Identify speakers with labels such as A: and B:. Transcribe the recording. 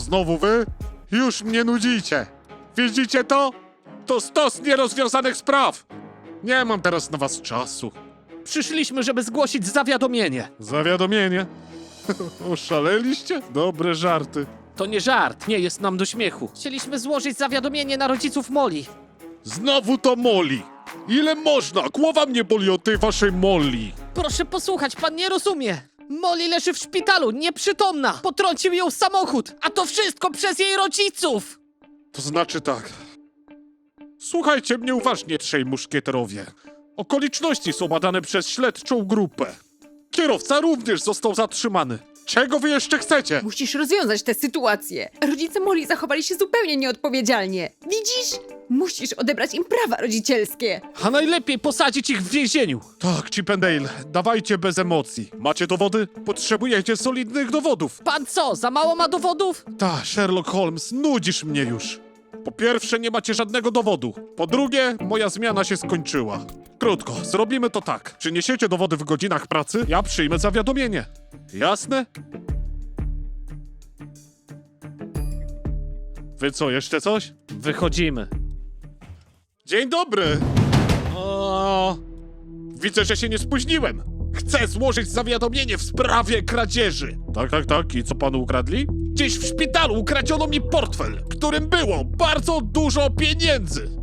A: znowu wy? Już mnie nudzicie. Widzicie to? To stos nierozwiązanych spraw. Nie mam teraz na was czasu.
B: Przyszliśmy, żeby zgłosić zawiadomienie.
A: Zawiadomienie? Oszaleliście? Dobre żarty.
B: To nie żart, nie jest nam do śmiechu. Chcieliśmy złożyć zawiadomienie na rodziców Molly.
A: Znowu to Molly. Ile można? Głowa mnie boli od tej waszej Molly.
B: Proszę posłuchać, pan nie rozumie. Molly leży w szpitalu, nieprzytomna. Potrącił ją samochód, a to wszystko przez jej rodziców.
A: To znaczy tak. Słuchajcie mnie uważnie, trzej muszkieterowie. Okoliczności są badane przez śledczą grupę. Kierowca również został zatrzymany. Czego wy jeszcze chcecie?
C: Musisz rozwiązać tę sytuację. Rodzice Molly zachowali się zupełnie nieodpowiedzialnie. Widzisz? Musisz odebrać im prawa rodzicielskie.
B: A najlepiej posadzić ich w więzieniu.
A: Tak, Chip and Dale, dawajcie bez emocji. Macie dowody? Potrzebujecie solidnych dowodów.
B: Pan co, za mało ma dowodów?
A: Ta, Sherlock Holmes, nudzisz mnie już. Po pierwsze, nie macie żadnego dowodu. Po drugie, moja zmiana się skończyła. Krótko, zrobimy to tak. Przyniesiecie dowody w godzinach pracy, ja przyjmę zawiadomienie. Jasne? Wy co, jeszcze coś?
B: Wychodzimy.
A: Dzień dobry! Widzę, że się nie spóźniłem. Chcę złożyć zawiadomienie w sprawie kradzieży. Tak. I co panu ukradli? Gdzieś w szpitalu ukradziono mi portfel, w którym było bardzo dużo pieniędzy.